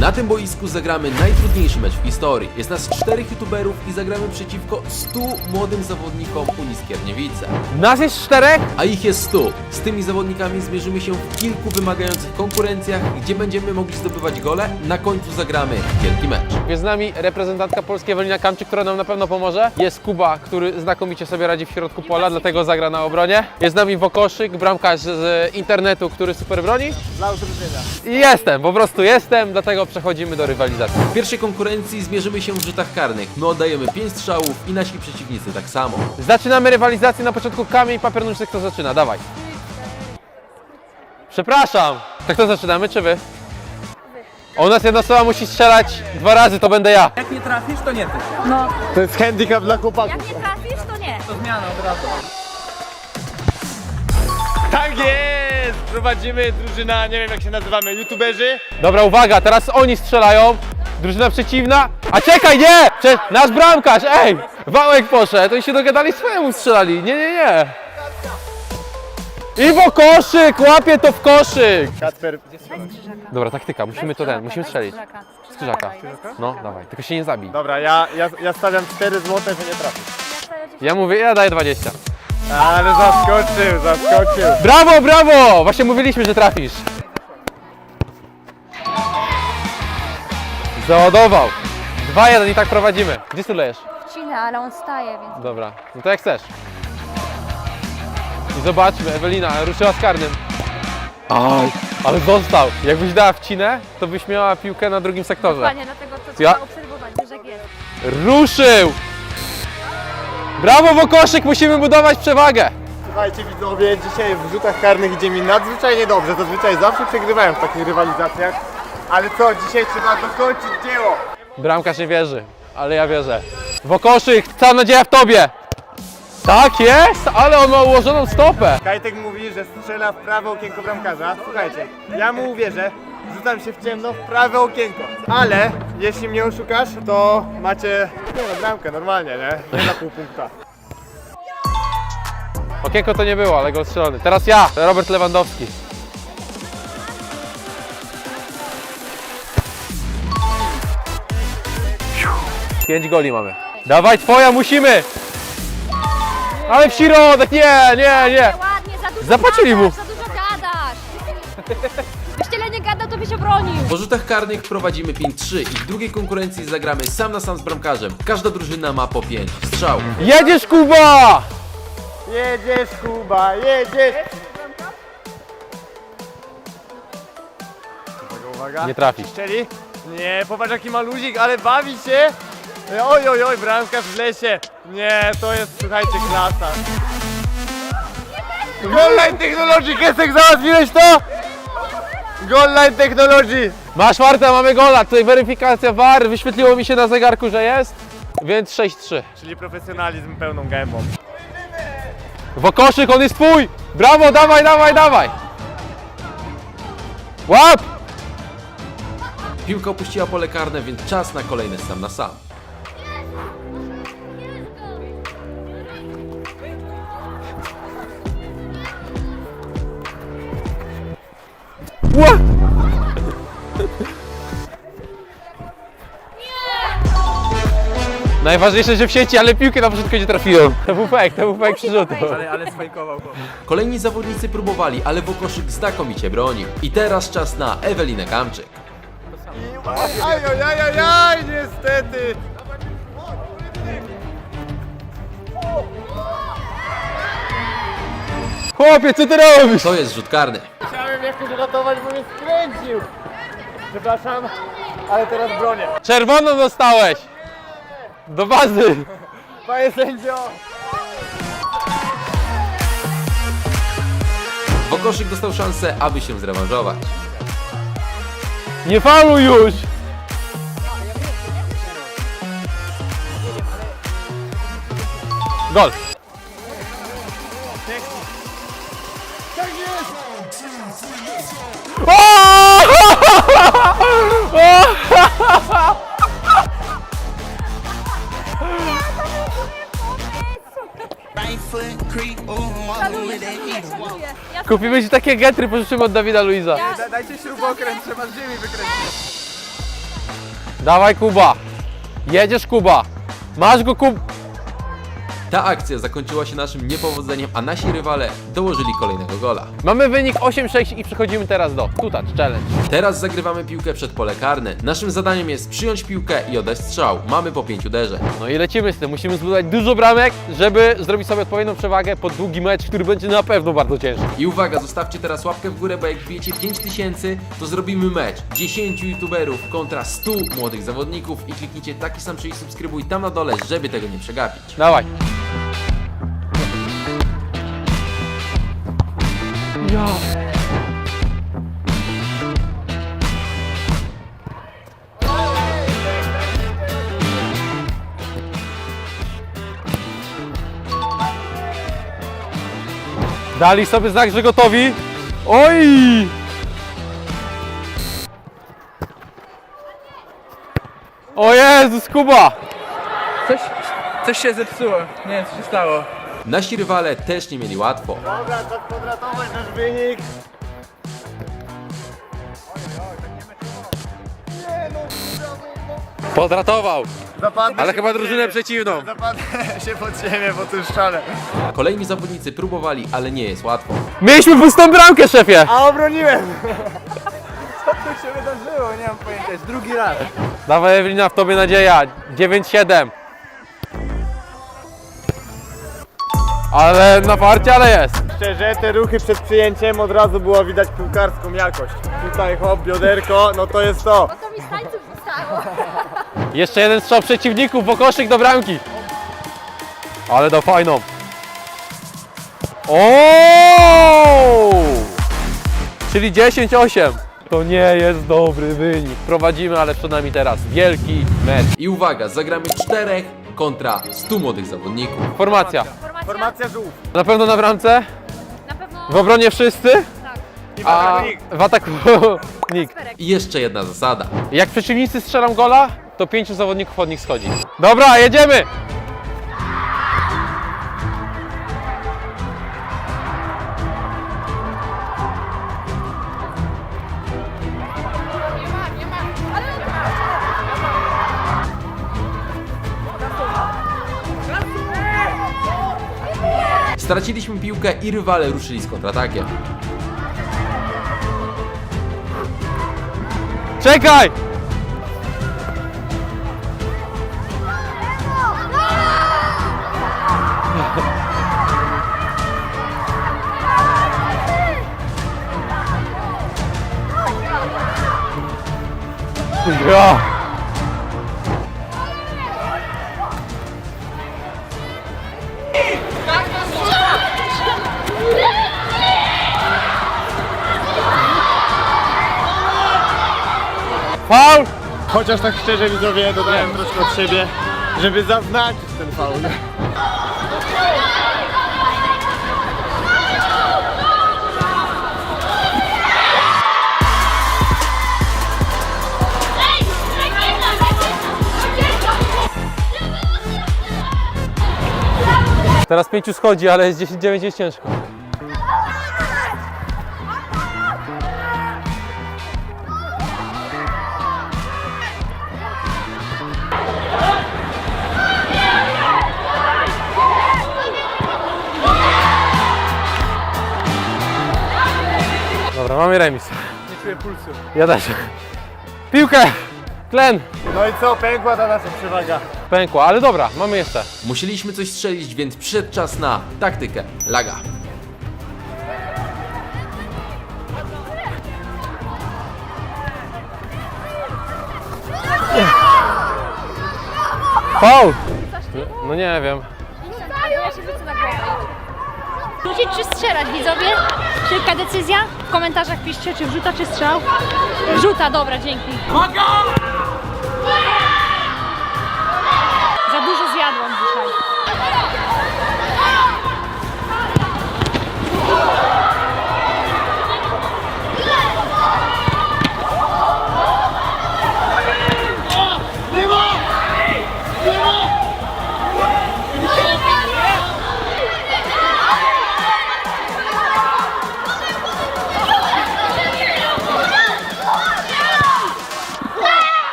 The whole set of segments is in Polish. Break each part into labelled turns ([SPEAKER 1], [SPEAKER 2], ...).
[SPEAKER 1] Na tym boisku zagramy najtrudniejszy mecz w historii. Jest nas 4 youtuberów i zagramy przeciwko 100 młodym zawodnikom Unii Skierniewice.
[SPEAKER 2] Nas jest 4?
[SPEAKER 1] A ich jest 100. Z tymi zawodnikami zmierzymy się w kilku wymagających konkurencjach, gdzie będziemy mogli zdobywać gole. Na końcu zagramy wielki mecz.
[SPEAKER 2] Jest z nami reprezentantka Polski Ewelina Kamczyk, która nam na pewno pomoże. Jest Kuba, który znakomicie sobie radzi w środku pola, dlatego zagra na obronie. Jest z nami Wokoszyk, bramkarz z internetu, który super broni.
[SPEAKER 3] Dla udrożenia.
[SPEAKER 2] I jestem, po prostu jestem, dlatego przechodzimy do rywalizacji.
[SPEAKER 1] W pierwszej konkurencji zmierzymy się w rzutach karnych. My oddajemy 5 strzałów i nasi przeciwnicy tak samo.
[SPEAKER 2] Zaczynamy rywalizację, na początku kamień, papier, nożyce, kto zaczyna? Dawaj. Przepraszam. To kto zaczynamy, czy wy? U nas jedna osoba musi strzelać 2 razy, to będę ja.
[SPEAKER 3] Jak nie trafisz, to nie ty.
[SPEAKER 4] No,
[SPEAKER 3] To jest handicap dla chłopaków.
[SPEAKER 4] jak nie trafisz, to nie.
[SPEAKER 3] To zmiana od razu.
[SPEAKER 5] Tak jest! Prowadzimy drużyna, nie wiem jak się nazywamy, youtuberzy.
[SPEAKER 2] Dobra, uwaga, teraz oni strzelają. Drużyna przeciwna. A czekaj, nie! Nasz bramkarz, ej! Wałek poszedł, oni się dogadali, swojemu strzelali. Nie. I Wokoszyk, łapie to w koszyk.
[SPEAKER 5] Kacper,
[SPEAKER 2] Dobra, taktyka, musimy musimy strzelić. Z krzyżaka. No, dawaj, tylko się nie zabij.
[SPEAKER 5] dobra, ja stawiam 4 złote, że nie trafisz.
[SPEAKER 2] Ja mówię, ja daję 20.
[SPEAKER 5] Ale zaskoczył.
[SPEAKER 2] Brawo, brawo! Właśnie mówiliśmy, że trafisz. Załadował. 2-1 i tak prowadzimy. Gdzie ty lejesz?
[SPEAKER 4] Wcinę, ale on staje, więc...
[SPEAKER 2] Dobra, no to jak chcesz. I zobaczmy, Ewelina ruszyła z karnym. Aj, ale został. Jakbyś dała wcinę, to byś miała piłkę na drugim sektorze.
[SPEAKER 4] Dokładnie, dlatego to
[SPEAKER 2] Ja-
[SPEAKER 4] trzeba obserwować, wiesz jak jest.
[SPEAKER 2] Ruszył! Brawo, Wokoszyk, musimy budować przewagę.
[SPEAKER 5] Słuchajcie widzowie, dzisiaj w rzutach karnych idzie mi nadzwyczajnie dobrze. Zazwyczaj zawsze przegrywałem w takich rywalizacjach. Ale co, dzisiaj trzeba dokończyć dzieło.
[SPEAKER 2] Bramkarz nie wierzy, ale ja wierzę. Wokoszyk, cała nadzieja w tobie. Tak jest, ale on ma ułożoną stopę.
[SPEAKER 5] Kajtek mówi, że strzela w prawe okienko bramkarza. Słuchajcie, ja mu uwierzę. Rzucam się w ciemno w prawe okienko. Ale jeśli mnie oszukasz, to macie bramkę normalnie, nie? Nie na pół punkta.
[SPEAKER 2] Okienko to nie było, ale gol strzelony. Teraz ja, Robert Lewandowski. Pięć goli mamy. Dawaj, twoja, musimy! Ale w środek, nie.
[SPEAKER 4] Ładnie, za dużo
[SPEAKER 2] Zapłacili mu.
[SPEAKER 4] gadasz, za dużo gadasz. Byś tyle nie gadał, to byś obronił.
[SPEAKER 1] Po rzutach karnych prowadzimy 5-3 i w drugiej konkurencji zagramy sam na sam z bramkarzem. Każda drużyna ma po 5 strzałów.
[SPEAKER 2] Jedziesz, Kuba!
[SPEAKER 5] Jedziesz Kuba, jedziesz! Uwaga.
[SPEAKER 2] Nie trafisz.
[SPEAKER 5] Strzeli? Nie, popatrz jaki ma luzik, ale bawi się! Oj, bramkarz w lesie! Nie, to jest, słuchajcie, klasa. Goal Line Technology, Kesek, załatwiłeś to? Goal Line Technology!
[SPEAKER 2] Masz Marta, mamy gola. Tutaj weryfikacja VAR, wyświetliło mi się na zegarku, że jest. Więc 6-3.
[SPEAKER 5] Czyli profesjonalizm pełną gębą.
[SPEAKER 2] Wokoszyk, on jest twój! Brawo, dawaj! Łap!
[SPEAKER 1] Piłka opuściła pole karne, więc czas na kolejny sam na sam.
[SPEAKER 2] Ła! Najważniejsze, że w sieci, ale piłkę na początku nie trafiłem. To był fake przyrzutu.
[SPEAKER 3] Ale sfejkował go.
[SPEAKER 1] Kolejni zawodnicy próbowali, ale Wokoszyk znakomicie bronił. I teraz czas na Ewelinę Kamczyk.
[SPEAKER 5] Ajajajajaj, niestety!
[SPEAKER 2] Chłopie, co ty robisz?
[SPEAKER 1] To jest rzut karny.
[SPEAKER 5] Chciałem jakoś ratować, bo mnie skręcił! Przepraszam, ale teraz bronię.
[SPEAKER 2] Czerwoną dostałeś! Do bazy!
[SPEAKER 5] Panie sędzio!
[SPEAKER 1] Wokoszyk dostał szansę, aby się zrewanżować.
[SPEAKER 2] Nie fauluj już! Gol! Kupimy ci takie getry, pożyczymy od Dawida Luiza.
[SPEAKER 3] Dajcie śrubokręt, trzeba z ziemi wykręcić.
[SPEAKER 2] Dawaj Kuba. Jedziesz Kuba. Masz go Kuba.
[SPEAKER 1] Ta akcja zakończyła się naszym niepowodzeniem, a nasi rywale dołożyli kolejnego gola.
[SPEAKER 2] Mamy wynik 8-6 i przechodzimy teraz do Two Touch Challenge.
[SPEAKER 1] Teraz zagrywamy piłkę przed pole karne. Naszym zadaniem jest przyjąć piłkę i oddać strzał. Mamy po 5 uderzeń.
[SPEAKER 2] No i lecimy z tym. Musimy zbudować dużo bramek, żeby zrobić sobie odpowiednią przewagę pod długi mecz, który będzie na pewno bardzo ciężki.
[SPEAKER 1] I uwaga, zostawcie teraz łapkę w górę, bo jak wbijecie 5000, to zrobimy mecz 10 youtuberów kontra 100 młodych zawodników i kliknijcie taki sam przycisk subskrybuj tam na dole, żeby tego nie przegapić.
[SPEAKER 2] Dawaj. Ja. Dali sobie znak, że gotowi. Oj! O Jezus, Kuba!
[SPEAKER 3] Coś się zepsuło. Nie wiem co się stało.
[SPEAKER 1] Nasi rywale też nie mieli łatwo.
[SPEAKER 5] Dobra, to kwadratowy nasz wynik.
[SPEAKER 2] Podratował,
[SPEAKER 5] Zapadnę
[SPEAKER 2] ale
[SPEAKER 5] się
[SPEAKER 2] chyba
[SPEAKER 5] pod
[SPEAKER 2] drużynę
[SPEAKER 5] ziemię.
[SPEAKER 2] przeciwną.
[SPEAKER 5] Zapadnę się pod ziemię po tym szczale.
[SPEAKER 1] Kolejni zawodnicy próbowali, ale nie jest łatwo.
[SPEAKER 2] Mieliśmy pustą bramkę, szefie!
[SPEAKER 5] A obroniłem!
[SPEAKER 3] Co tu się wydarzyło? Nie mam pojęcia. Jest drugi raz.
[SPEAKER 2] Dawaj Ewelina, w tobie nadzieja. 9-7. Ale na farcie, ale jest.
[SPEAKER 5] Szczerze, te ruchy przed przyjęciem od razu było widać piłkarską jakość. Tutaj hop, bioderko, no to jest to.
[SPEAKER 4] Bo to mi z tańców zostało.
[SPEAKER 2] Jeszcze jeden strzał przeciwników, bo koszyk do bramki. Ale do fajną. O! Czyli 10-8. To nie jest dobry wynik. Prowadzimy, ale przed nami teraz wielki mecz.
[SPEAKER 1] I uwaga, zagramy 4 kontra 100 młodych zawodników.
[SPEAKER 2] Formacja.
[SPEAKER 5] Formacja żółw.
[SPEAKER 2] Na pewno na bramce,
[SPEAKER 4] Na pewno
[SPEAKER 2] w obronie wszyscy,
[SPEAKER 5] I w
[SPEAKER 2] a
[SPEAKER 5] ataku nikt.
[SPEAKER 2] w ataku nikt.
[SPEAKER 1] I jeszcze jedna zasada.
[SPEAKER 2] Jak przeciwnicy strzelą gola, to 5 zawodników od nich schodzi. Dobra, jedziemy!
[SPEAKER 1] Straciliśmy piłkę i rywale ruszyli z kontratakiem.
[SPEAKER 2] Czekaj! Ja. Faul!
[SPEAKER 5] Chociaż tak szczerze widzowie dodałem troszkę od siebie, żeby zaznaczyć ten faul.
[SPEAKER 2] Teraz 5 schodzi, ale jest 10-9 jest ciężko. Dobra, mamy remis.
[SPEAKER 3] Nie czuję pulsu.
[SPEAKER 2] Ja też. Piłkę! Tlen!
[SPEAKER 5] No i co, pękła ta nasza przewaga.
[SPEAKER 2] Pękła, ale dobra, mamy jeszcze.
[SPEAKER 1] Musieliśmy coś strzelić, więc przyszedł czas na taktykę. Laga.
[SPEAKER 2] Faul! No nie wiem.
[SPEAKER 4] Ja się wrócę na głowę. Rzucić czy strzelać, widzowie? Szybka decyzja? W komentarzach piszcie, czy wrzuta, czy strzał. Wrzuta, dobra, dzięki. Za dużo zjadłam dzisiaj.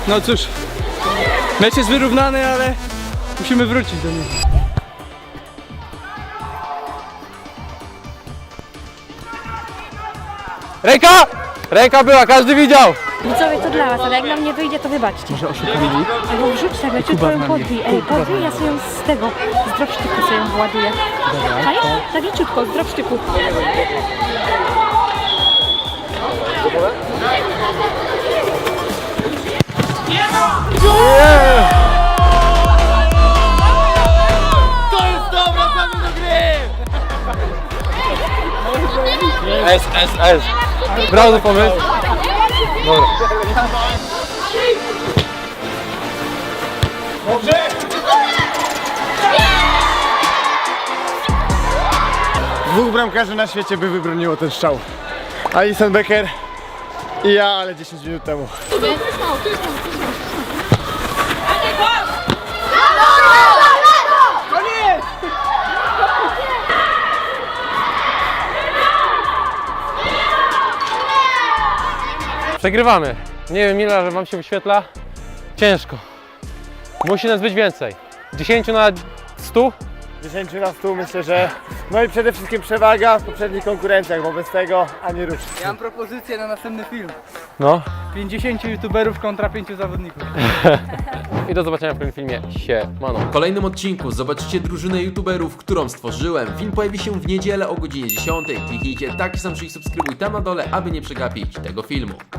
[SPEAKER 3] No cóż, mecz jest wyrównany, ale musimy wrócić do niego.
[SPEAKER 2] Ręka! Ręka była, każdy widział!
[SPEAKER 4] Widzowie, to dla was, ale jak nam nie wyjdzie, to wybaczcie. Może oszukamy ich? Albo wrzuć tak, leciutko ją podbij. Ej, podbij, ja sobie ją z tego, z dropsztyku sobie ją wyładuję. Czaisz? Tak leciutko, z dropsztyku.
[SPEAKER 2] S. Brawo pomysł. Dobra.
[SPEAKER 5] Dwóch bramkarzy na świecie by wybroniło ten strzał. Alison Becker i ja, ale 10 minut temu.
[SPEAKER 2] Przegrywamy. Nie wiem ile, że wam się wyświetla. Ciężko. Musi nas być więcej. 10 na 100?
[SPEAKER 5] 10 na 100 myślę, że... No i przede wszystkim przewaga w poprzednich konkurencjach, bo bez tego ani rusz.
[SPEAKER 3] Ja mam propozycję na następny film.
[SPEAKER 2] No.
[SPEAKER 3] 50 youtuberów kontra 5 zawodników.
[SPEAKER 2] I do zobaczenia w kolejnym filmie. Siemano.
[SPEAKER 1] W kolejnym odcinku zobaczycie drużynę youtuberów, którą stworzyłem. Film pojawi się w niedzielę o godzinie 10. Kliknijcie taki sam przycisk subskrybuj tam na dole, aby nie przegapić tego filmu.